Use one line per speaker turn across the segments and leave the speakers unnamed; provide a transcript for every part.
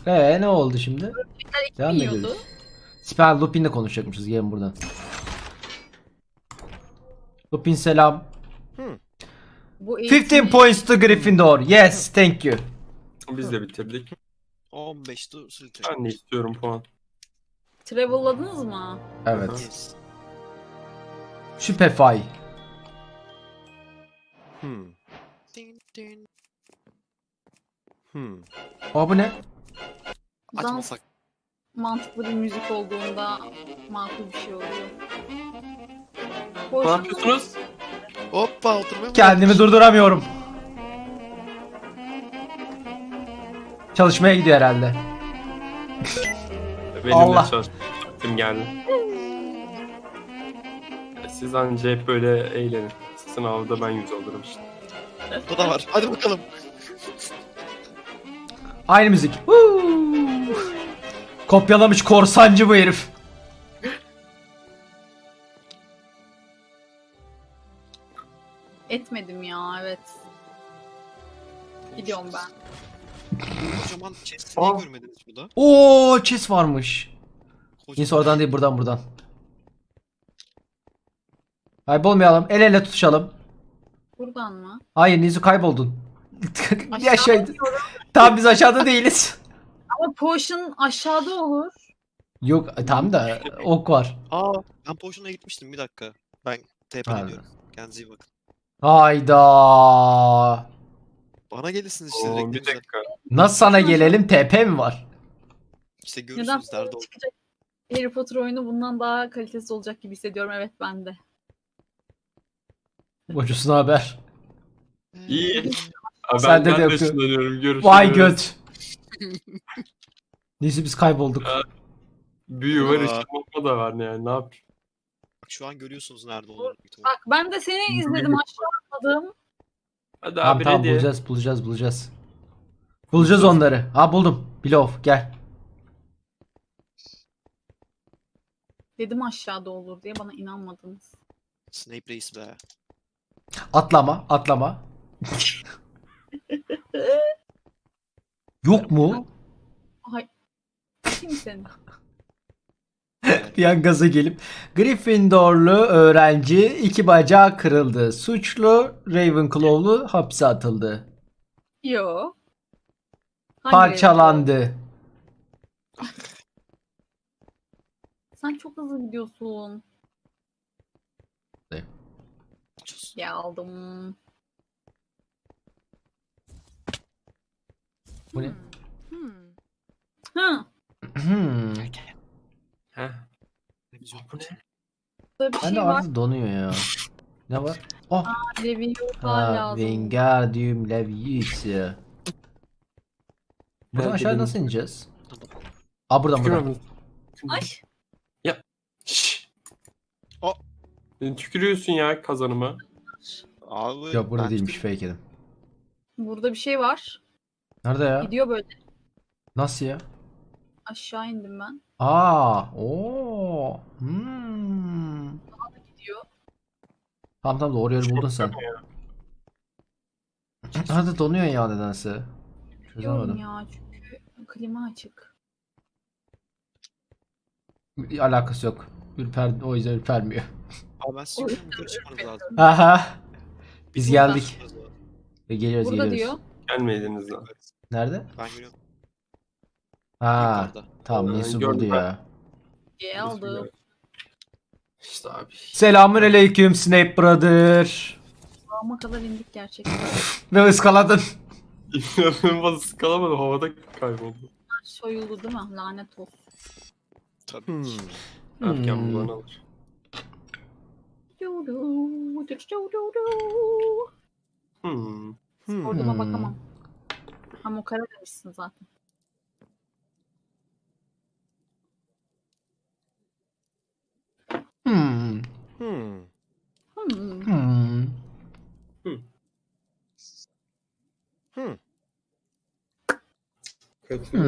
Ne oldu şimdi? Devam mı
yiyordu.
ediyoruz? Siper Lupin'le konuşacakmışız. Gelin buradan. Lupin selam.
Bu
15 points to Gryffindor. Yes, thank you.
Biz de bitirdik.
15 to Slytherin.
Ben de istiyorum puan.
Travel'ladınız mı?
Evet.
Yes.
Süperfy.
Din din.
Aa bu ne?
Dans
Açmasak.
mantıklı bir müzik olduğunda makul bir şey oluyor.
Ne
Boş
yapıyorsunuz?
Hoppa oturmaya mı
Kendimi
gelmiş?
durduramıyorum. Çalışmaya gidiyor herhalde.
Benim
Allah.
de çalıştım geldi. Siz anca hep böyle eğlenin. Sınavda ben 100 alırım işte.
Burada da var. Hadi bakalım.
Aynı müzik. Woo! Kopyalamış korsancı bu herif.
etmedim ya, evet. Gidiyorum ben.
Kocaman chest'i niye
Aa.
görmediniz burada?
Oo, chess varmış.
Kocaman.
Neyse oradan değil, buradan. Kaybolmayalım. El ele tutuşalım.
Buradan mı?
Hayır Nizu, kayboldun.
Aşağı
Aşağıydı. Tamam, biz aşağıda değiliz.
Ama potion aşağıda olur.
Yok tamam da ok var.
Aa, ben Potion'a gitmiştim bir dakika. Ben TP'le
Ha.
diyorum. Kendinize iyi bakın.
Hayda.
Bana gelirsiniz işte
Oo,
direkt.
bir
güzel.
dakika.
Nasıl sana gelelim? TP mi var?
İşte
Neden
görürsünüz nerede olduğunu.
çıkacak Harry Potter oyunu bundan daha kalitesiz olacak gibi hissediyorum. Evet, ben de.
Bocusuna haber.
İyi. Abi
Sen de
ben de
yapıyor.
ışınlanıyorum. Görüşürüz.
Vay göt. Neyse biz kaybolduk.
Büyü var,
Aa.
ışınlanma da var yani. Ne yapayım?
Bak şu an görüyorsunuz nerede olduğunu. büyük ihtimal.
Bak, ben de seni izledim, aşağı atladım.
Hadi
Tamam
abi
tamam,
ready.
bulacağız. Bulacağız onları. Ha buldum. Bilov gel.
Dedim aşağıda olur diye, bana inanmadınız.
Snape reis be.
Atlama. Yok mu?
Ay. Kim seni?
Bir an gaza gelip Gryffindorlu öğrenci 2 bacağı kırıldı. Suçlu Ravenclaw'lu hapse atıldı.
Yo. Hangi
Parçalandı.
Sen çok hızlı gidiyorsun.
Ne?
Ya aldım.
Bu ne?
Hı.
Heh.
Televizyon
Bu ne?
Burada bir
Ben de
şey var.
arada donuyor ya. Ne var? Oh.
Leviosa
Ha,
lazım.
Wingardium Leviosa. Buradan aşağı
Benim-
nasıl ineceğiz? Aa buradan.
Tükürüyorum.
Ay.
Şşş.
O.
Tükürüyorsun ya kazanıma.
Abi.
Yok burada
ben
değilmiş,
tükürüm.
fake edim.
Burada bir şey var.
Nerede ya?
Gidiyor böyle.
Nasıl ya?
Aşağı indim ben.
Oo.
Gidiyor.
Tamam doğru yeri buldun sen. Hadi donuyor ya nedense.
Diyorum
Çözemedim.
ya, çünkü klima açık.
Bir alakası yok. O yüzden ürpermiyor.
Abi ben sizi yukarı yukarı çıkmanız lazım.
Aha. Biz
Burada.
geldik.
Çıkmanız lazım.
Ve geliyoruz.
Burada diyor.
Gelmeydiniz lan.
Nerede?
Ben görüyorum.
Ha.
Yukarıda.
Tamam
Ben
Nisu
gördüm
buldu
ben.
ya.
Aldım.
İşte abi.
Selamünaleyküm Snape Brother.
Kulağıma kadar indik gerçekten.
Ve ıskaladın.
İnanılmaz sıkalamadım. Havada kayboldu.
Soyuldu değil mi? Lanet olsun.
Tabii.
Erken bulan alır.
Orduma bakamam. Ha, mukara demişsin zaten.
Hmm.
Hmm.
Hmm.
Kötü.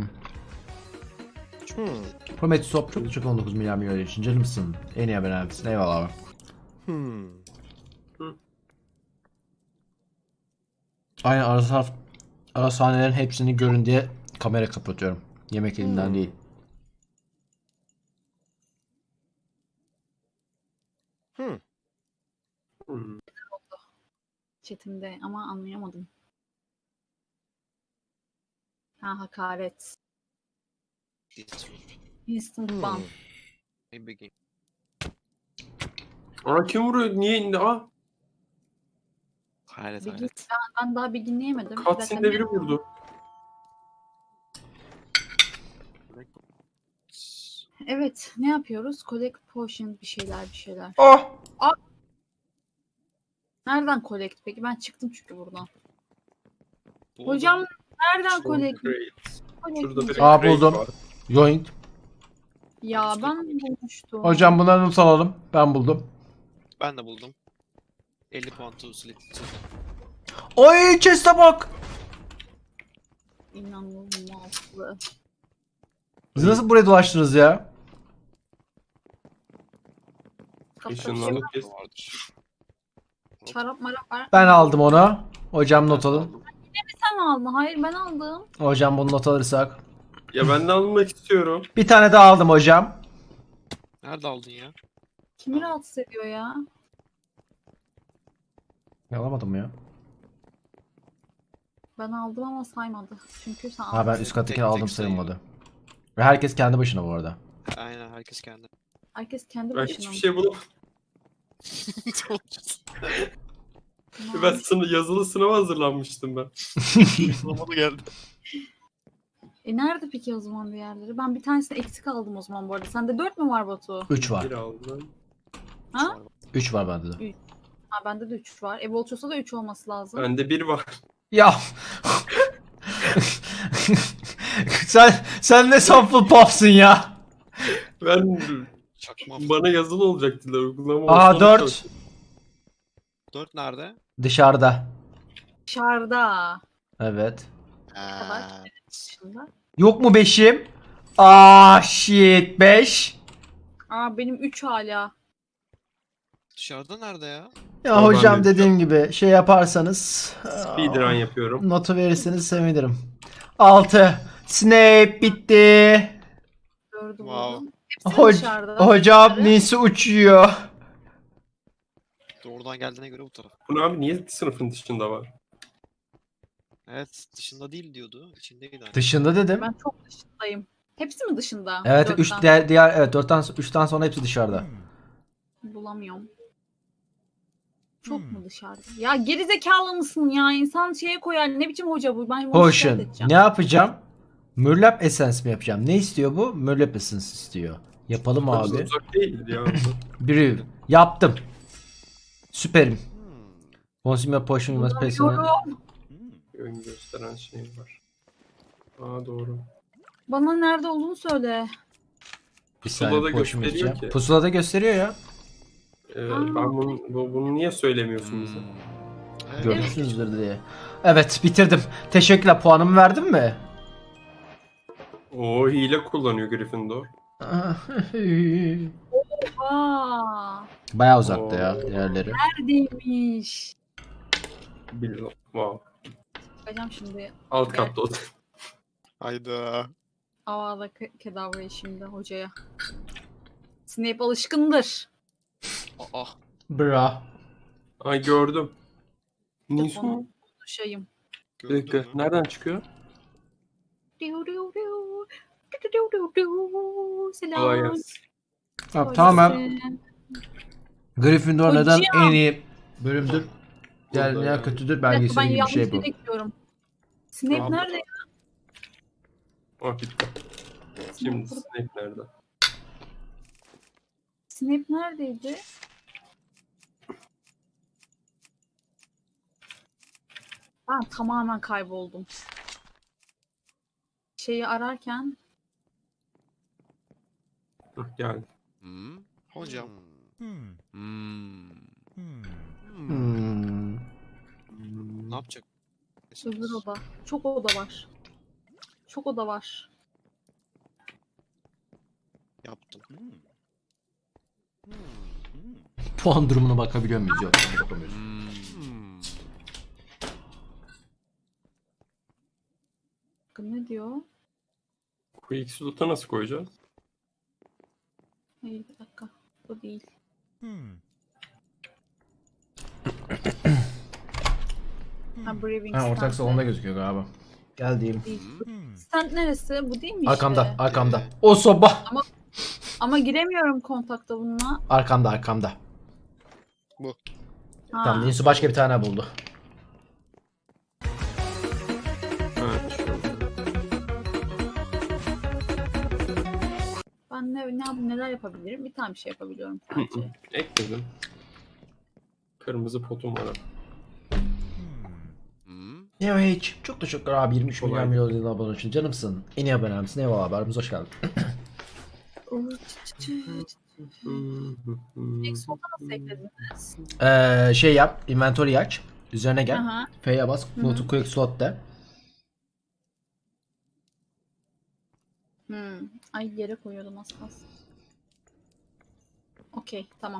Prometheus Hop çok çok 19 milyar milyon için canımsın. En iyi haber misin? Eyvallah abi. Aynen ara sahnelerin hepsini görün diye Kamera kapatıyorum. Yemek elimden değil.
Hmm.
Hmm.
Chatimde ama anlayamadım. Ha, hakaret. Instant ban.
Ne bileyim.
Aa, kim vuruyor? Niye indi? Aa,
Hayret
Bilgi,
hayret.
ben daha bir dinleyemedim. Bir dakika,
cutscene'de biri vurdu.
Evet, ne yapıyoruz? Collect potion bir şeyler.
Oh!
Nereden collect peki? Ben çıktım çünkü buradan.
Bu
Hocam
adam-
nereden collect?
Great.
collect
Şurada bir
diyeceğim?
Aa,
Great
buldum.
var.
Joint.
Ya ben bulmuştum.
Hocam bunları not alalım. Ben buldum.
Ben de buldum. 50 puan to select.
Oy chest'e bak.
İnanılmaz.
Siz nasıl buraya dolaştınız ya?
Işınlandık biz.
Vardır.
Çarap marap var.
Ben aldım onu. Hocam not alın.
Sen aldın. Hayır ben aldım.
Hocam bunu not alırsak.
Ya ben de almak istiyorum.
Bir tane daha aldım hocam.
Nerede aldın ya?
Kimi rahatsız ediyor ya?
Alamadım ya.
Ben aldım ama saymadı. Çünkü sen
Ha, ben
aldın.
üst kattakini
Tek
aldım
tek sayıyor.
sayılmadı. Ve herkes kendi başına bu arada.
Aynen herkes kendi.
Herkes kendi
Ben
başına.
hiçbir şey bulamadım. Ben yazılı sınava hazırlanmıştım ben.
Bulamadı geldi.
Nerede peki o zaman diğerleri? Ben bir tanesini eksik aldım o zaman bu arada. Sende 4 mü var Batu?
3 var.
Bir aldım.
Ha?
3 var bende de.
Ha, bende de 3 var. Volchos'ta da 3 olması lazım.
Bende bir var.
Ya. sen ne sample pop'sun ya.
Ben
Çakma.
bana yazılı olacak dediler. Uygulama
Aa,
olsa
4.
olacak.
4 nerede?
Dışarıda.
Dışarıda.
Evet.
Dışında.
Yok mu 5'im? Aa shit 5.
Aa benim 3 hala.
Dışarıda nerede ya?
Ya
Aa,
hocam
ben de
dediğim gibi şey yaparsanız
Speedrun yapıyorum.
notu verirseniz sevinirim. 6. Snape bitti.
4'ü
Wow.
buldum. Hepsi dışarıda.
Hocam
Dışarı.
Nisi uçuyor.
Doğrudan geldiğine göre bu taraf.
Bu abi niye sınıfın dışında var?
Evet dışında değil diyordu. İçindeydi. Hani.
Dışında dedim.
Ben çok dışındayım. Hepsi mi dışında?
Evet
4'ten
3 diğer evet 3'ten sonra hepsi dışarıda.
bulamıyorum. Çok mu dışarıda? Ya gerizekalı mısın ya? İnsan şeye koyar. Ne biçim hoca bu? Ben bunu şikayet
Potion.
edeceğim.
Ne yapacağım? Mürlap Essence mi yapacağım? Ne istiyor bu? Mürlap Essence istiyor. Yapalım abi.
Uzak değildir ya.
Brew. Yaptım. Süperim. Consumer Potion you must pay some-
Bulamıyorum.
Ön gösteren şey var. Aa doğru.
Bana nerede olduğunu söyle.
Bir saniye
Pusulada
potion
gösteriyor
içeceğim.
ki.
Pusulada gösteriyor ya.
Ben bunu niye söylemiyorsun bize?
Evet.
Görmüşsünüzdür diye. Evet bitirdim. Teşekkürler. Puanımı verdin mi?
O hile kullanıyor Gryffindor.
Aa,
Bayağı uzakta ya
Oo.
diğerleri.
neredeymiş?
Bilmiyorum. Wow.
Bakacağım şimdi.
Alt katta o.
Hayda.
Havada kedavrayı şimdi hocaya. Snape alışkındır.
Aa.
Bra.
Ay gördüm. Nisu.
Onu konuşayım.
Bir dakika.
Gördün mü?
Nereden çıkıyor?
Diu diu diu. Diu diu diu diu.
Kolay
Selam.
gelsin.
Tamam, tamamen Gryffindor
Hocam.
neden en iyi bölümdür? Diğer
Burada
dünya
yani.
kötüdür
Bir dakika, ben
belgeseli gibi bir
yanlış
şey bu.
yere gidiyorum. Snape
Tamam.
nerede?
Ah bitti. Şimdi Snape nerede?
Snape neredeydi? Ben tamamen kayboldum. Şeyi ararken
Geldi.
Hocam. Ne yapacak?
öbür oda. Çok oda var. Çok oda var.
Yaptım.
Puan durumuna bakabiliyor muyuz? Yok, bakamıyoruz.
dakika ne diyor?
Quick slot'a nasıl koyacağız?
Hayır bir dakika. Bu değil. Ha, Brewing
Ha, ortak
stand
salonda
de
gözüküyor galiba. Geldiğim.
değil. Stand neresi? Bu değil mi işte?
Arkamda, arkamda. O soba.
Ama giremiyorum kontakta bununla.
Arkamda, arkamda.
Ha.
Tamam, Dinsu başka bir tane buldu.
Evet.
Ben neler yapabilirim? Bir tane bir şey yapabiliyorum sadece.
Ekledim. Kırmızı potum var.
Ya hiç. Çok teşekkür abi 23
Kolay.
milyon yılın abone için. Canımsın. En iyi abonemsin. Eyvallah haberimiz hoş geldin.
Exo'da nasıl eklediniz?
Şey yap. Inventory aç. Üzerine gel.
Aha.
F'ye bas.
Hı
Go
hı.
to quick slot de.
Ay yere koyuyordum az kalsın. Okey tamam.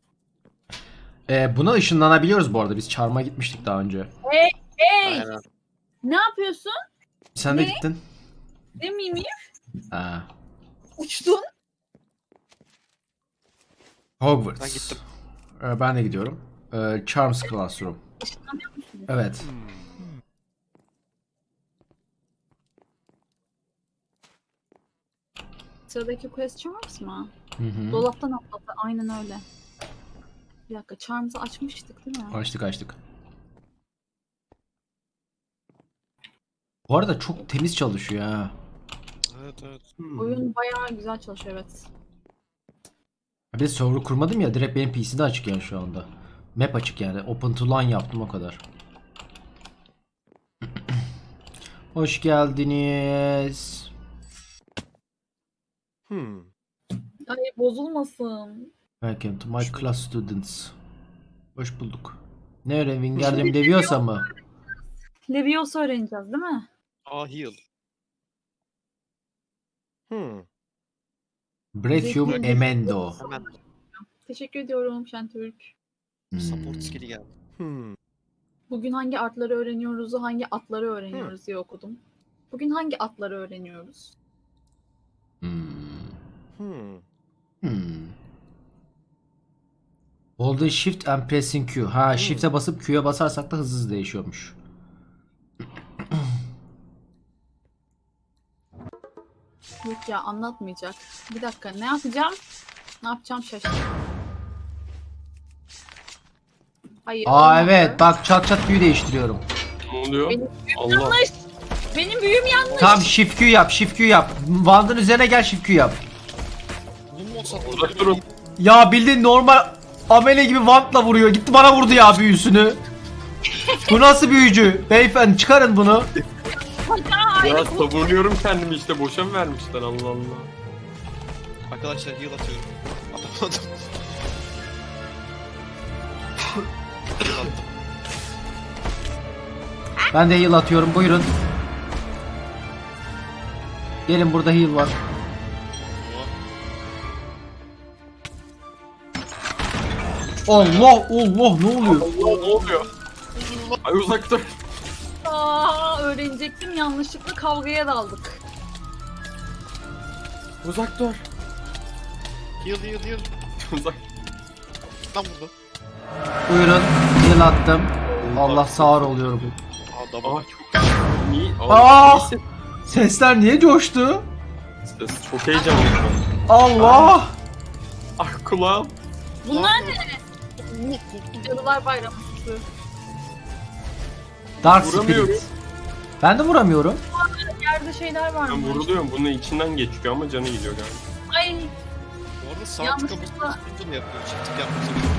Buna ışınlanabiliyoruz bu arada. Biz çarmıha gitmiştik daha önce.
Hey!
Aynen.
Ne yapıyorsun?
Sen de
Ne?
gittin.
Ne miyim?
Ha.
Uçtun.
Hogwarts.
Ben gittim.
Ben de gidiyorum. Charms Classroom.
Işınlanıyor musun?
Evet.
Sıradaki quest Charms mı?
Hı hı.
Dolaptan atladı. Aynen öyle. Bir dakika Charms'ı açmıştık değil mi?
Açtık açtık. Bu arada çok temiz çalışıyor ha.
Evet evet.
Oyun bayağı güzel çalışıyor evet.
Bir de server kurmadım ya, direkt benim PC'de açık yani şu anda. Map açık yani. Open to LAN yaptım o kadar. Hoş geldiniz.
Ay bozulmasın.
Welcome to my class students. Hoş bulduk. Ne öğren? Wingardium Leviosa mı?
Leviosa öğreneceğiz değil mi?
Heal.
Breathium
Zeki-
Emendo.
Hemen
Teşekkür ediyorum Şentürk.
support skill'i geldi.
Bugün hangi artları öğreniyoruz, hangi atları öğreniyoruz diye okudum. Bugün hangi atları öğreniyoruz?
Holding Shift and Pressing Q. Ha, Shift'e basıp Q'ya basarsak da hızlı değişiyormuş.
Yok ya anlatmayacak. Bir dakika ne yapacağım? Ne yapacağım şaşırdım. Hayır.
Aa
olmadı.
evet, bak çat çat Q'yu değiştiriyorum.
Ne oluyor?
Benim
Allah.
yanlış. Benim büyüm yanlış.
Tamam, Shift Q yap, Shift Q yap. Wand'ın üzerine gel, Shift Q yap.
Bu mu support
Uzak durun.
Ya bildiğin normal amele gibi Wand'la vuruyor. Gitti bana vurdu ya büyüsünü. Bu nasıl büyücü? Beyefendi çıkarın bunu.
Ya savunuyorum kendimi işte. Boşa mı vermişler Allah Allah.
Arkadaşlar heal atıyorum. Atamadım. Heal attım.
Ben de heal atıyorum, buyurun. Gelin, burada heal var. Allah Allah, ne oluyor?
Allah ne oluyor? Ay uzak dur.
Aa, öğrenecektim yanlışlıkla kavgaya daldık.
Uzak dur.
Heal.
Uzak.
Tam burada.
Buyurun, heal attım. Allah sağır oluyorum.
Aa double.
Aa çok iyi.
Aa!
Neyse.
Sesler niye coştu?
Çok heyecanlıyım.
Allah!
Ah kulağım.
Bunlar ne? Cadılar Bayramı süsü.
Dark
Vuramıyorum.
Spirit. Ben de vuramıyorum.
Yerde şeyler var
Ben
mı?
vuruluyorum. Bunun içinden geçiyor ama canı gidiyor galiba.
Ay
Bu arada sağ tıka
yanlışlıkla
basınca mı yapıyor? Çift tık yapması gerekiyor.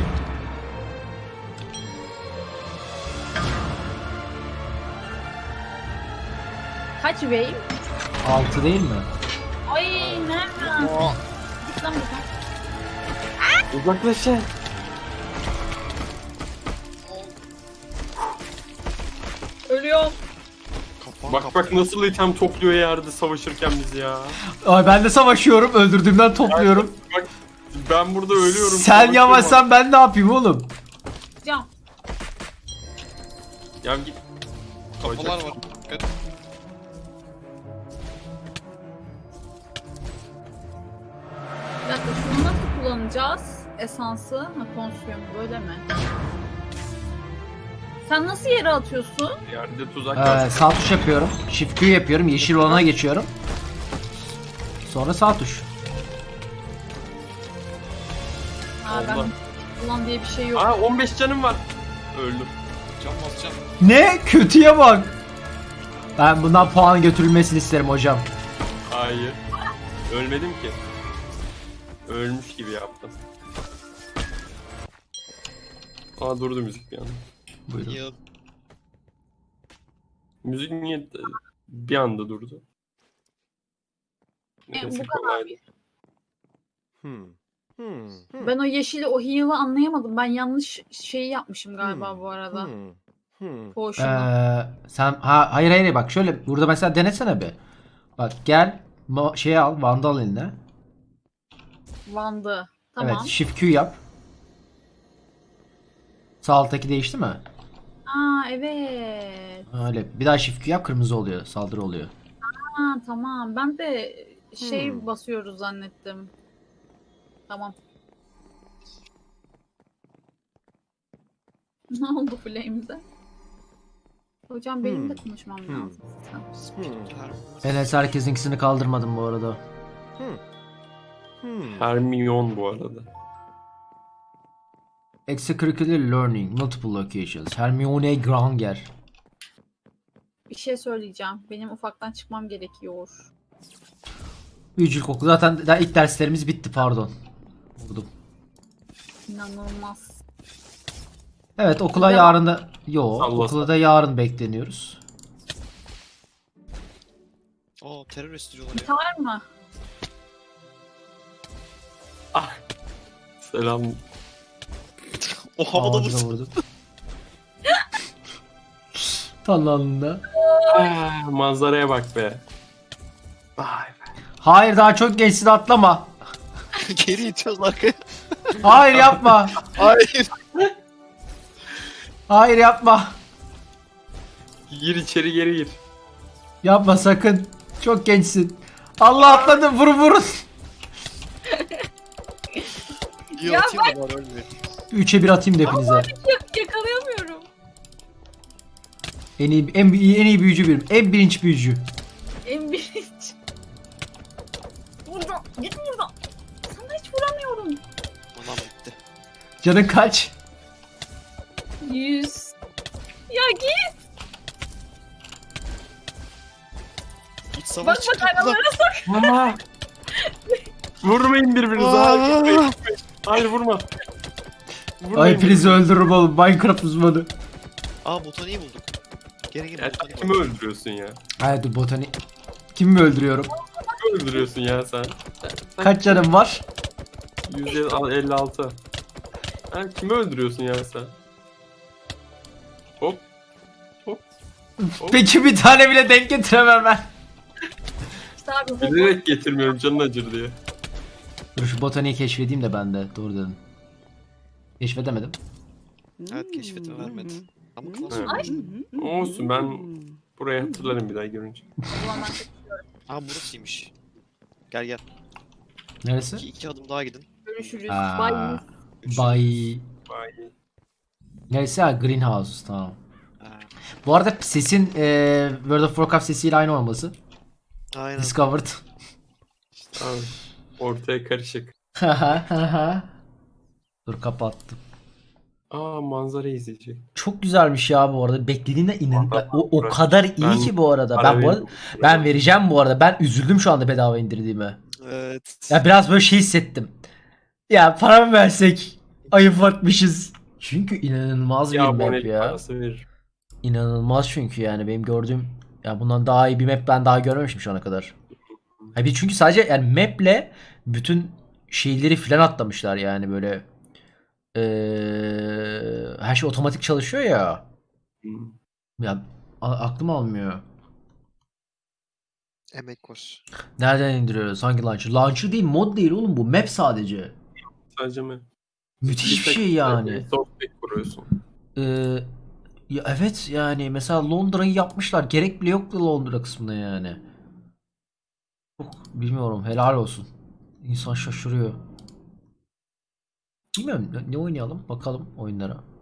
kaç wave?
6 değil mi?
Ay nereden? Git lan buradan.
Uzaklaşın.
Ölüyorum.
Kafam
Bak bak nasıl item topluyor yerde savaşırken bizi ya.
Ay ben de savaşıyorum, öldürdüğümden topluyorum.
Bak ben burada ölüyorum.
Sen
savaşıyorum.
yavaşsan ben ne yapayım oğlum?
Cam.
Ya git.
Kafalar var. Evet.
Bir dakika şunu nasıl kullanacağız? Esansı. Ha, konsumu böyle mi? Sen nasıl yere atıyorsun?
Yerde tuzak var.
Sağ tuş yapıyorum. Shift Q yapıyorum. Yeşil olana geçiyorum. Sonra sağ tuş.
Ha, ben
Allah.
kullan diye bir şey yok.
Aa 15 canım var. Öldüm.
Can basacağım.
Ne? Kötüye bak. Ben bundan puan götürülmesini isterim hocam.
Hayır. Ölmedim ki. Ölmüş gibi yaptım. Aa durdu müzik bir anda.
Buyurun.
Ya
Müzik niye bir anda durdu? Neyse,
bu kadar.
kolaydı.
Ben o yeşili, o heal'ı anlayamadım. Ben yanlış şeyi yapmışım galiba bu arada. Potion'u.
Hayır bak şöyle burada mesela denesene bir. Bak gel şeyi al Vandal eline.
Vandı. Tamam.
Evet Shift Q yap. Sağ alttaki değişti mi?
Aa evet.
Öyle. Bir daha Shift Q yap kırmızı oluyor. Saldırı oluyor.
Ha tamam. Ben de şey basıyoruz zannettim. Tamam. Ne oldu Flames'e? Hocam benim de konuşmam lazım.
Enes herkesinkisini kaldırmadım bu arada.
Hermione bu arada.
Extracurricular Learning, Multiple Locations, Hermione Granger.
Bir şey söyleyeceğim. Benim ufaktan çıkmam gerekiyor.
Büyücülük okulu zaten daha ilk derslerimiz bitti pardon. Vurdum.
İnanılmaz.
Evet okula
Devam.
yarın da... Yo
Salla
okula da yarın bekleniyoruz.
aa terörist diyorlar ya.
Biter mi?
Selam.
O havada
Ağzına
vursun.
vurdum. Tam alnında.
Manzaraya bak be. Vay be.
Hayır daha çok gençsin atlama.
Geri itiyoruz arkaya.
Hayır yapma.
Hayır.
Hayır yapma.
Gir içeri geri gir.
Yapma sakın. Çok gençsin. Allah atladım vurun vurun.
İyi
Ya
atayım da bari ölmüyor.
3'e 1 atayım da hepinize.
Yakalayamıyorum.
En iyi büyücü benim. En birinci büyücü.
En birinci. Buradan. Git buradan. Sana hiç vuramıyorum.
Anam bitti.
Canın kaç?
100. Ya git.
Git savaş
Bak
çıktı.
aralara sok.
Mama. Vurmayın birbirinize. Hayır, gitmeyin. Hayır vurma. Vurmayın
Ay hepinizi öldürürüm oğlum. Minecraft uzmanı.
Aa botaniği bulduk. Gene
Ya
botaniği
kimi öldürüyorsun ya?
Hayır dur botani. Kimi mi öldürüyorum?
Kimi öldürüyorsun ya sen?
Kaç canım var?
156. Ha, kimi öldürüyorsun ya sen? Hop. Hop. Hop.
Peki bir tane bile denk getiremem ben.
İşte abi bu.
Bilerek getirmiyorum canın acır diye.
Dur şu botaniği keşfedeyim de ben de. Doğru dedim. Keşfedemedim.
Evet keşfetme vermedi. Ama klas
Evet.
olmuş.
Olsun ben burayı hatırlarım bir daha görünce.
Ulan ben
Aa burasıymış. Gel gel.
Neresi?
İki adım daha gidin.
görüşürüz.
Aa,
Bye.
Bay.
Vay.
Neresi? Ha, Greenhouse. Tamam.
Ha,
Bu arada sesin World of Warcraft sesiyle aynı olması.
aynen.
Discovered.
Tamam. Ortaya karışık.
Dur kapattım.
Aa manzara izleyecek.
Çok güzelmiş ya bu arada. Beklediğinden inan.
Vallahi
O kadar iyi
ben
ki bu arada.
Para
Ben bu arada
veriyorum.
ben vereceğim bu arada. Ben üzüldüm şu anda bedava indirdiğime.
Evet.
Ya biraz böyle şey hissettim. Ya para mı versek? Ayıp atmışız. Çünkü inanılmaz bir
Ya
map
abonelik
ya.
parası verir.
İnanılmaz çünkü yani benim gördüğüm ya bundan daha iyi bir map ben daha görmemişim şu ana kadar. Ha bir çünkü sadece yani maple bütün şeyleri filan atlamışlar yani böyle her şey otomatik çalışıyor ya.
Hmm.
Ya aklım almıyor.
Emek var.
Nereden indiriyoruz? Hangi launcher? Launcher değil, mod değil oğlum bu. Map sadece.
Sadece mi?
Müthiş bir şey yani.
Softback kuruyorsun.
Ee, ya evet yani mesela Londra'yı yapmışlar. Gerek bile yoktu Londra kısmında yani. Çok bilmiyorum. Helal olsun. İnsan şaşırıyor. Bilmiyorum ne oynayalım bakalım oyunlara.